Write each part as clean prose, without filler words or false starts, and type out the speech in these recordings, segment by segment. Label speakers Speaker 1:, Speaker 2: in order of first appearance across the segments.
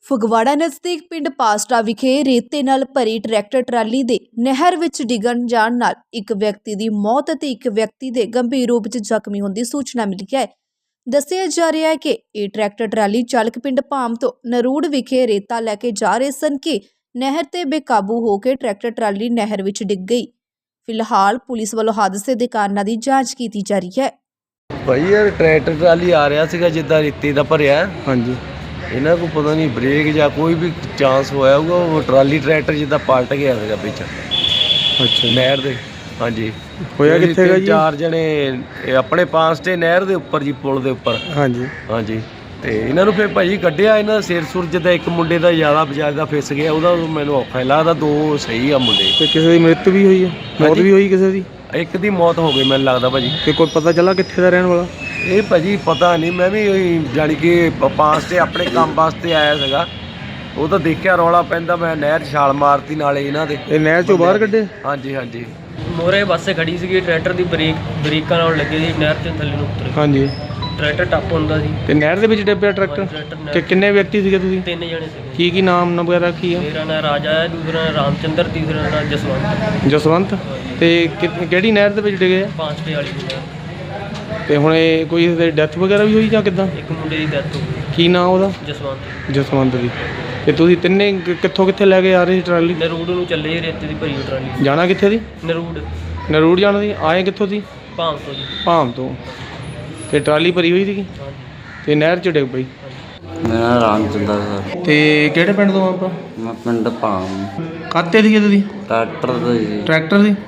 Speaker 1: ਫਗਵਾੜਾ ਨਜ਼ਦੀਕ ਪਿੰਡ ਪਾਸਟਾ ਵਿਖੇ ਰੇਤੇ ਨਾਲ ਭਰੀ ਟਰੈਕਟਰ ਟਰਾਲੀ ਦੇ ਨਹਿਰ ਵਿੱਚ ਡਿੱਗਣ ਜਾਣ ਨਾਲ ਇੱਕ ਵਿਅਕਤੀ ਦੀ ਮੌਤ ਅਤੇ ਇੱਕ ਵਿਅਕਤੀ ਦੇ ਗੰਭੀਰ ਰੂਪ ਵਿੱਚ ਜ਼ਖਮੀ ਹੋਣ ਦੀ ਸੂਚਨਾ ਮਿਲੀ ਹੈ। ਦੱਸਿਆ ਜਾ ਰਿਹਾ ਹੈ ਕਿ ਇਹ ਟਰੈਕਟਰ ਟਰਾਲੀ ਚਾਲਕ ਪਿੰਡ ਭਾਮ ਤੋਂ ਨਰੂੜ ਵਿਖੇ ਰੇਤਾ ਲੈ ਕੇ ਜਾ ਰਹੇ ਸਨ ਕਿ ਨਹਿਰ ਤੇ ਬੇਕਾਬੂ ਹੋ ਕੇ ਟਰੈਕਟਰ ਟਰਾਲੀ ਨਹਿਰ ਵਿੱਚ ਡਿੱਗ ਗਈ। ਫਿਲਹਾਲ ਪੁਲਿਸ ਵੱਲੋਂ ਹਾਦਸੇ ਦੇ ਕਾਰਨਾਂ ਦੀ ਜਾਂਚ ਕੀਤੀ ਜਾ ਰਹੀ ਹੈ।
Speaker 2: ਭਾਈ ਯਾਰ ਟਰੈਕਟਰ ਟਰਾਲੀ ਆ ਰਿਹਾ ਸੀਗਾ ਜਿੱਦਾਂ ਰੇਤੇ ਦਾ ਭਰਿਆ। ਹਾਂਜੀ, ਇਹਨਾਂ को पता नहीं ब्रेक ਜਾਂ ਕੋਈ ਵੀ ਚਾਂਸ ਹੋਇਆ ਹੋਊਗਾ, ਉਹ ਟਰਾਲੀ ਟਰੈਕਟਰ ਜਿੱਦਾਂ ਪਲਟ ਗਿਆ ਸੀਗਾ ਵਿੱਚ। ਅੱਛਾ, ਨਹਿਰ ਦੇ। ਹਾਂਜੀ, ਹੋਇਆ ਕਿੱਥੇ ਹੈਗਾ ਜੀ? 4 ਜਣੇ ਆਪਣੇ ਪਾਸ ਤੇ ਨਹਿਰ ਦੇ ਉੱਪਰ ਜੀ, ਪੁਲ ਦੇ ਉੱਪਰ। ਹਾਂਜੀ ਹਾਂਜੀ, ਤੇ ਇਹਨਾਂ ਨੂੰ ਫਿਰ ਭਾਜੀ ਕੱਢਿਆ, ਇਹਨਾਂ ਦਾ ਸਿਰ ਸੁਰ ਜਿੱਦਾਂ ਇੱਕ ਮੁੰਡੇ ਦਾ ਜ਼ਿਆਦਾ ਬਜਾਜ ਦਾ ਫਿਸ ਗਿਆ, ਉਹਦਾ ਮੈਨੂੰ ਔਖਾ ਲੱਗਦਾ, 2 ਸਹੀ ਆ ਮੁੰਡੇ। ਤੇ ਕਿਸੇ ਦੀ ਮ੍ਰਿਤ ਵੀ ਹੋਈ ਹੈ? ਮੌਤ ਵੀ ਹੋਈ ਕਿਸੇ ਦੀ? ਇੱਕ ਦੀ ਮੌਤ ਹੋ ਗਈ ਮੈਨੂੰ ਲੱਗਦਾ ਭਾਜੀ। ਤੇ ਕੋਈ ਪਤਾ ਚੱਲਾ ਕਿੱਥੇ ਦਾ ਰਹਿਣ ਵਾਲਾ? ਇਹ ਭਾਜੀ ਪਤਾ ਨਹੀਂ, ਮੈਂ ਵੀ ਜਾਣੀ ਕਿ ਪਾਸ ਤੇ ਆਪਣੇ ਕੰਮ ਵਾਸਤੇ ਆਇਆ ਸੀਗਾ, ਉਹ ਤਾਂ ਦੇਖਿਆ ਰੌਲਾ ਪੈਂਦਾ, ਮੈਂ ਨਹਿਰ 'ਚ ਛਾਲ ਮਾਰਤੀ ਨਾਲੇ ਇਹਨਾਂ ਦੇ। ਇਹ ਨਹਿਰ 'ਚੋਂ ਬਾਹਰ ਕੱਢੇ? ਹਾਂਜੀ ਹਾਂਜੀ।
Speaker 3: ਮੋਰੇ ਬੱਸੇ ਖੜੀ ਸੀਗੀ, ਟਰੈਕਟਰ ਦੀ ਬ੍ਰੇਕਾਂ ਨਾਲ ਲੱਗੀ ਸੀ, ਨਹਿਰ 'ਚ ਥੱਲੇ ਨੂੰ ਉਤਰ। ਹਾਂਜੀ, ਟਰੈਕਟਰ ਟੱਪ ਹੁੰਦਾ ਸੀ
Speaker 2: ਤੇ ਨਹਿਰ ਦੇ ਵਿੱਚ ਡੱਬਿਆ ਟਰੈਕਟਰ। ਤੇ ਕਿੰਨੇ ਵਿਅਕਤੀ ਸੀਗੇ ਤੁਸੀਂ?
Speaker 3: 3 ਜਣੇ ਸੀਗੇ।
Speaker 2: ਕੀ ਨਾਮ ਵਗੈਰਾ ਕੀ ਆ?
Speaker 3: ਮੇਰਾ ਨਾਮ ਰਾਜਾ ਹੈ, ਦੂਸਰਾ ਨਾਮ ਰਾਮਚੰਦਰ, ਤੀਸਰਾ ਨਾਮ ਜਸਵੰਤ।
Speaker 2: ਜਸਵੰਤ। ਤੇ ਕਿਹੜੀ ਨਹਿਰ ਦੇ ਵਿੱਚ ਡਿੱਗੇ ਆ?
Speaker 3: ਪਾਂਚਟੇ ਵਾਲੀ ਨਹਿਰ।
Speaker 2: ਤੇ ਹੁਣ ਇਹ ਕੋਈ ਡੈਥ ਵਗੈਰਾ ਵੀ ਹੋਈ ਜਾਂ ਕਿੱਦਾਂ?
Speaker 3: ਇੱਕ ਮੁੰਡੇ ਦੀ ਡੈਥ ਹੋ ਗਈ।
Speaker 2: ਕੀ ਨਾਮ ਉਹਦਾ?
Speaker 3: ਜਸਵੰਤ।
Speaker 2: ਜਸਵੰਤ ਦੀ। ਤੇ ਤੁਸੀਂ ਤਿੰਨੇ ਕਿੱਥੋਂ ਕਿੱਥੇ ਲੈ ਕੇ ਆ ਰਹੇ ਸੀ ਟਰਾਲੀ?
Speaker 3: ਨਰੂੜ ਨੂੰ ਚੱਲੇ ਜੀ, ਰੇਤੇ ਦੀ ਭਰੀ ਟਰਾਲੀ।
Speaker 2: ਜਾਣਾ ਕਿੱਥੇ ਦੀ?
Speaker 3: ਨਰੂੜ।
Speaker 2: ਨਰੂੜ ਜਾਣਾ ਸੀ। ਆਏ ਕਿੱਥੋਂ ਸੀ?
Speaker 3: ਭਾਮ ਤੋਂ ਜੀ।
Speaker 2: ਭਾਮ ਤੋਂ। ਤੇ ਟਰਾਲੀ ਭਰੀ ਹੋਈ ਸੀਗੀ ਤੇ ਨਹਿਰ 'ਚ ਡਿੱਗ ਪਈ।
Speaker 4: ਮੇਰਾ ਨਾਮ ਰਾਮਚੰਦਰ ਸਰ।
Speaker 2: ਤੇ ਕਿਹੜੇ ਪਿੰਡ ਤੋਂ ਆਪਾਂ?
Speaker 4: ਮੈਂ ਪਿੰਡ ਭਾਮ।
Speaker 2: ਕਾਤੇ ਸੀਗੇ ਤੁਸੀਂ?
Speaker 4: ਟਰੈਕਟਰ ਦਾ ਜੀ।
Speaker 2: ਟਰੈਕਟਰ ਸੀ।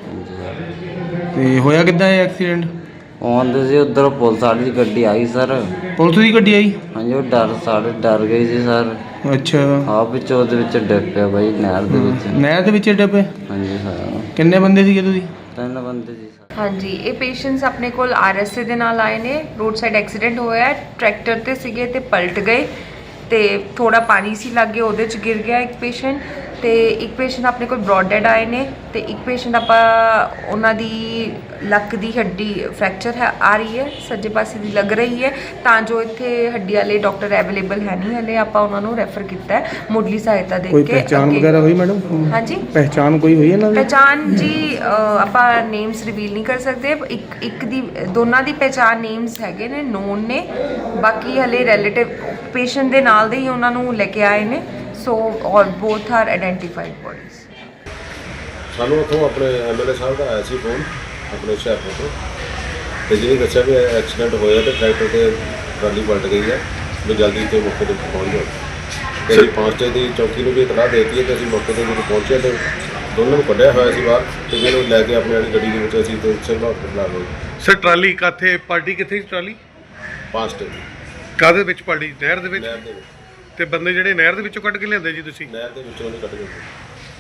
Speaker 2: ਤੇ ਹੋਇਆ ਕਿੱਦਾਂ ਇਹ ਐਕਸੀਡੈਂਟ?
Speaker 4: ਆਉਂਦੇ ਸੀ ਉੱਧਰ ਪੁਲਿਸ ਵਾਲੀ ਦੀ ਗੱਡੀ ਆਈ ਸਰ।
Speaker 2: ਪੁਲਿਸ ਦੀ ਗੱਡੀ ਆਈ?
Speaker 4: ਹਾਂਜੀ, ਉਹ ਡਰ ਗਈ ਸੀ ਸਰ।
Speaker 2: ਅੱਛਾ।
Speaker 4: ਆਪ ਵਿੱਚ ਉਹਦੇ ਵਿੱਚ ਡਿੱਗ ਪਿਆ ਬਾਈ, ਨਹਿਰ ਦੇ ਵਿੱਚ।
Speaker 2: ਨਹਿਰ ਦੇ ਵਿੱਚ ਡਿੱਗ ਪਏ?
Speaker 4: ਹਾਂਜੀ ਸਰ।
Speaker 2: ਕਿੰਨੇ ਬੰਦੇ ਸੀਗੇ ਤੁਸੀਂ?
Speaker 4: 3 ਬੰਦੇ ਸੀ ਸਰ।
Speaker 5: ਹਾਂਜੀ, ਇਹ ਪੇਸ਼ੈਂਟਸ ਆਪਣੇ ਕੋਲ RSA ਦੇ ਨਾਲ ਆਏ ਨੇ। ਰੋਡ ਸਾਈਡ ਐਕਸੀਡੈਂਟ ਹੋਇਆ, ਟਰੈਕਟਰ ਤੇ ਸੀਗੇ ਤੇ ਪਲਟ ਗਏ ਤੇ ਥੋੜਾ ਪਾਣੀ ਸੀ ਲੱਗੇ, ਉਹਦੇ 'ਚ ਗਿਰ ਗਿਆ ਇੱਕ ਪੇਸ਼ੈਂਟ। ਤੇ ਇੱਕ ਪੇਸ਼ੈਂਟ ਆਪਣੇ ਕੋਲ ਬ੍ਰੌਡ ਡੈਡ ਆਏ ਨੇ ਤੇ ਇੱਕ ਪੇਸ਼ੈਂਟ ਆਪਾਂ ਉਹਨਾਂ ਦੀ ਲੱਕ ਦੀ ਹੱਡੀ ਫ੍ਰੈਕਚਰ ਹੈ ਆ ਰਹੀ ਹੈ, ਸੱਜੇ ਪਾਸੇ ਦੀ ਲੱਗ ਰਹੀ ਹੈ, ਤਾਂ ਜੋ ਇੱਥੇ ਹੱਡੀ ਵਾਲੇ ਡਾਕਟਰ ਅਵੇਲੇਬਲ ਹੈ ਨਹੀਂ ਹਲੇ, ਆਪਾਂ ਉਹਨਾਂ ਨੂੰ ਰੈਫਰ ਕੀਤਾ ਹੈ ਮੁੱਢਲੀ ਸਹਾਇਤਾ ਦੇ ਕੇ।
Speaker 2: ਕੋਈ ਪਹਿਚਾਣ ਵਗੈਰਾ ਹੋਈ ਮੈਡਮ?
Speaker 5: ਹਾਂਜੀ,
Speaker 2: ਪਹਿਚਾਣ ਕੋਈ ਹੋਈ ਇਹਨਾਂ ਦੀ?
Speaker 5: ਪਹਿਚਾਣ ਜੀ ਆਪਾਂ ਨੇਮਸ ਰਿਵੀਲ ਨਹੀਂ ਕਰ ਸਕਦੇ। ਇੱਕ ਦੀ ਦੋਨਾਂ ਦੀ ਪਹਿਚਾਣ ਨੇਮਸ ਹੈਗੇ ਨੇ, ਨੋਨ ਨੇ, ਬਾਕੀ ਹਲੇ ਰਿਲੇਟਿਵ ਪੇਸ਼ੈਂਟ ਦੇ ਨਾਲ ਦੇ ਹੀ ਉਹਨਾਂ ਨੂੰ ਲੈ ਕੇ ਆਏ ਨੇ। ਸੋ ਔਰ ਬੋਥ ਆਰ ਆਇਡੈਂਟੀਫਾਈਡ ਬੋਡੀਜ਼।
Speaker 6: ਸਾਨੂੰ ਉੱਥੋਂ ਆਪਣੇ MLA ਸਾਹਿਬ ਦਾ ਆਇਆ ਸੀ ਫੋਨ ਆਪਣੇ ਹੁਸ਼ਿਆਰਪੁਰ ਤੋਂ, ਤੇ ਜਿਹਨੇ ਦੱਸਿਆ ਵੀ ਐਕਸੀਡੈਂਟ ਹੋਇਆ ਤੇ ਟਰੈਕਟਰ ਤੇ ਟਰਾਲੀ ਪਲਟ ਗਈ ਹੈ, ਵੀ ਜਲਦੀ ਤੇ ਮੌਕੇ 'ਤੇ ਪਹੁੰਚ ਜਾਓ। ਤੇ ਅਸੀਂ ਪਾਂਚਟੇ ਦੀ ਚੌਕੀ ਨੂੰ ਵੀ ਇਤਲਾਹ ਦੇ ਦਿੱਤੀ ਹੈ ਤੇ ਅਸੀਂ ਮੌਕੇ 'ਤੇ ਜਦੋਂ ਪਹੁੰਚੇ ਤੇ ਦੋਨਾਂ ਨੂੰ ਕੱਢਿਆ ਹੋਇਆ ਸੀ ਬਾਹਰ, ਤੇ ਜਿਹਨੂੰ ਲੈ ਕੇ ਆਪਣੀ ਵਾਲੀ ਗੱਡੀ ਦੇ ਵਿੱਚ ਅਸੀਂ ਤੇ ਸਿਵਲ ਹਸਪਤਾਲ ਆ ਗਏ।
Speaker 7: ਸਰ ਟਰਾਲੀ ਕਾਥੇ ਪਾਰਟੀ ਕਿੱਥੇ ਸੀ? ਟਰਾਲੀ
Speaker 6: ਪਾਂਚਟੇ ਦੀ।
Speaker 7: ਕਾਹਦੇ ਵਿੱਚ ਪਾਰਟੀ? ਨਹਿਰ ਦੇ ਵਿੱਚ?
Speaker 6: ਨਹਿਰ ਦੇ ਵਿੱਚ।
Speaker 7: ਤੇ ਬੰਦੇ ਜਿਹੜੇ ਨਹਿਰ ਦੇ ਵਿੱਚੋਂ ਕੱਢ ਕੇ ਲਿਆਂਦੇ ਜੀ ਤੁਸੀਂ?
Speaker 6: ਨਹਿਰ ਦੇ ਵਿੱਚੋਂ ਨਹੀਂ ਕੱਢ ਗਏ।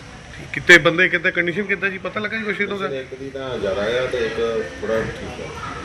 Speaker 7: ਕਿਤੇ ਬੰਦੇ ਕਿੱਦਾਂ ਕੰਡੀਸ਼ਨ ਕਿੱਦਾਂ ਜੀ, ਪਤਾ ਲੱਗਾ ਜੀ ਕੁਛ ਇਹਦਾ?
Speaker 6: ਇੱਕ ਦੀ ਤਾਂ ਜ਼ਿਆਦਾ ਆ ਤੇ ਇੱਕ ਥੋੜਾ ਠੀਕ ਆ।